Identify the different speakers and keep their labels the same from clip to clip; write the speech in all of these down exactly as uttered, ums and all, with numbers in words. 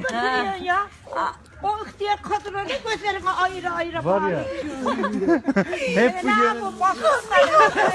Speaker 1: götürüyorsun ya? O ihtiyar kadınların gözlerine ayrı ayrı
Speaker 2: Var ya. Hep bu
Speaker 1: Ne
Speaker 2: yöne.
Speaker 1: yapın bakın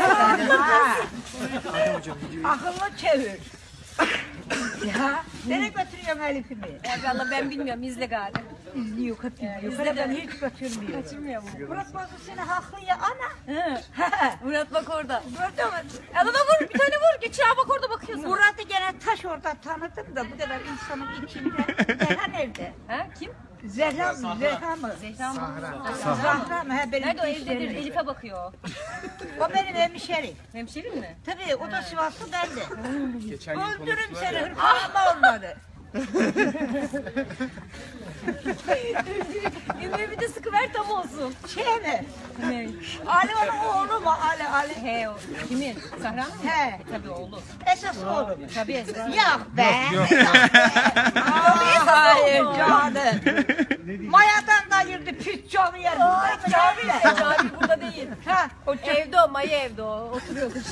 Speaker 1: akıllı çevir. Ya nereye götürüyorsun Elif'imi?
Speaker 3: Valla ben bilmiyorum, izle galiba.
Speaker 1: İzliyor, kaçırmıyor.
Speaker 3: İzle
Speaker 1: Ben
Speaker 3: de.
Speaker 1: hiç kaçırmıyor.
Speaker 3: Kaçırmıyor mu?
Speaker 1: Murat Bozdu seni haklı ya ana.
Speaker 3: Hı. Murat bak orada.
Speaker 1: Gördün mü?
Speaker 3: Adana vur, bir tane vur. Geçir ha bak orada bakıyorsun.
Speaker 1: Murat'ı gene taş orada tanıdım da bu kadar insanın içinde. Zehra nerede?
Speaker 3: Ha kim?
Speaker 1: Zehra mı? Zehra mı?
Speaker 3: Zehra mı?
Speaker 1: Zahra mı? He, benim
Speaker 3: Nerede o
Speaker 1: hemşerim.
Speaker 3: evdedir? Elif'e bakıyor.
Speaker 1: O benim hemşerim.
Speaker 3: Hemşerin mi?
Speaker 1: Tabii o da Sivaslı ben de. Öldürürüm seni hırpalama onları.
Speaker 3: Yemeği bir de sıkıver tam olsun.
Speaker 1: Şey mi?
Speaker 3: Ne?
Speaker 1: Ali onun oğlu mu? Ali Ali.
Speaker 3: He o. Kimin? Sahra mı?
Speaker 1: He.
Speaker 3: Tabii oğlu.
Speaker 1: Esas oğlu.
Speaker 3: Tabii esas.
Speaker 1: Yok be. Yok be. Hayır canım. Mayadan kayırdı püt canı yerim.
Speaker 3: Cami, cami burada değil.
Speaker 1: Ha, o
Speaker 3: Evde o, Maya evde o. Oturuyor kız.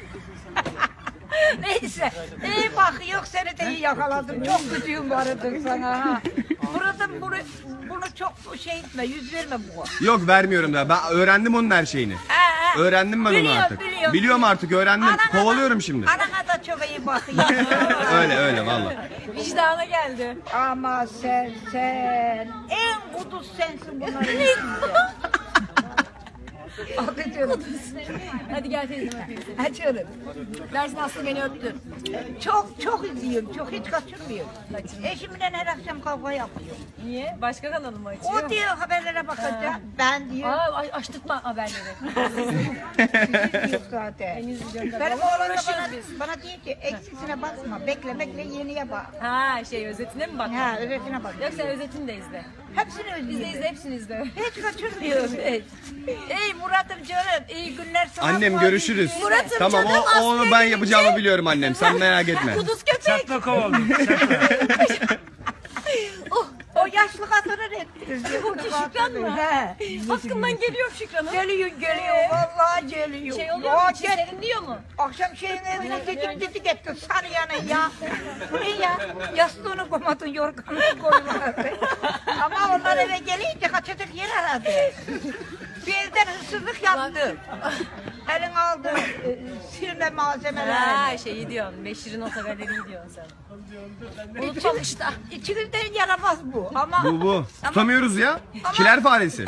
Speaker 1: Neyse, iyi bak yok seni de iyi yakaladım. Çok gücüm vardı sana ha. Murat'ım bunu, bunu çok şey etme, yüz verme bu.
Speaker 4: Yok vermiyorum da. Ben öğrendim onun her şeyini.
Speaker 1: He, he.
Speaker 4: Öğrendim ben onu
Speaker 1: Biliyorum,
Speaker 4: artık.
Speaker 1: biliyorum.
Speaker 4: Biliyorum artık öğrendim.
Speaker 1: Anana da-
Speaker 4: Kovalıyorum şimdi.
Speaker 1: Anana da çok iyi bakıyor.
Speaker 4: Öyle öyle vallahi.
Speaker 3: Vicdana geldi.
Speaker 1: Ama sen sen en kuduz sensin bunların içinde. Akıtıyorum.
Speaker 3: Hadi gel teyzem öpeyim seni.
Speaker 1: Açıyorum.
Speaker 3: Dersin Aslı beni öptü.
Speaker 1: Çok çok izliyorum, çok hiç kaçırmıyorum. Eşimle her akşam kavga yapıyor.
Speaker 3: Niye? Başka kanalı mı açıyor?
Speaker 1: O diyor haberlere bakacağım, ben diyor.
Speaker 3: Aa, ay- açtırtma haberleri.
Speaker 1: Sizin yok zaten.
Speaker 3: Ben izliyorum tabii.
Speaker 1: Benim
Speaker 3: Ama
Speaker 1: oğlum da
Speaker 3: uğraşıyoruz
Speaker 1: bana,
Speaker 3: biz.
Speaker 1: bana diyor ki eksisine basma, bekle bekle yeniye bak.
Speaker 3: Ha şey özetine mi bak?
Speaker 1: Ha özetine bak.
Speaker 3: Yok sen özetini de izle.
Speaker 1: Hepsini
Speaker 3: İzle
Speaker 1: özlüyorum.
Speaker 3: izle hepsini izle.
Speaker 1: Hiç kaçırmıyorum hiç. Ey Murat'ım canım, iyi günler sana.
Speaker 4: Annem görüşürüz.
Speaker 3: Murat'ım
Speaker 4: Tamam
Speaker 3: canım,
Speaker 4: o, onu ben
Speaker 3: askere
Speaker 4: yapacağımı biliyorum annem. Sen merak etme.
Speaker 3: Kuduz köpek.
Speaker 2: Çatla kovalım. Çatla.
Speaker 1: Oh, o yaşlı kadını reddediyor.
Speaker 3: O ki Şükran mı?
Speaker 1: He.
Speaker 3: Hakkından geliyor Şükran'ın.
Speaker 1: Geliyor geliyor, vallahi geliyor.
Speaker 3: Şey oluyor
Speaker 1: Ya
Speaker 3: mu?
Speaker 1: gel-
Speaker 3: Çizerin diyor mu?
Speaker 1: Akşam şeyin evine dedik dedik etti sarıyanı ya. Bu ne ya? Yastığını koymadın, yorganını koymadın. Ama onlar eve gelince kaçacak yer aradı. Bir evden hırsızlık yaptı. Elin aldı e, silme malzemelerini.
Speaker 3: Ha şeyi diyorsun. Beşir'in otogaleriyi diyorsun sen. Unutmamışlar.
Speaker 1: İçimizden yaramaz bu ama
Speaker 4: Bu bu. Tutamıyoruz ya. Kiler faresi.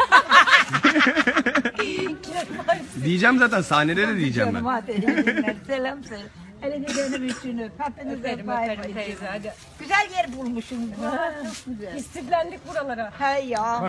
Speaker 4: Diyeceğim zaten sahnede de diyeceğim ben.
Speaker 1: canım hadi iyi günler, selam söyle. Elini benim için öp. Hepinize
Speaker 3: Öperim
Speaker 1: bay
Speaker 3: öperim
Speaker 1: bay.
Speaker 3: teyze hadi.
Speaker 1: Güzel yer bulmuşum. Çok güzel.
Speaker 3: İstiflendik buralara.
Speaker 1: Hey ya.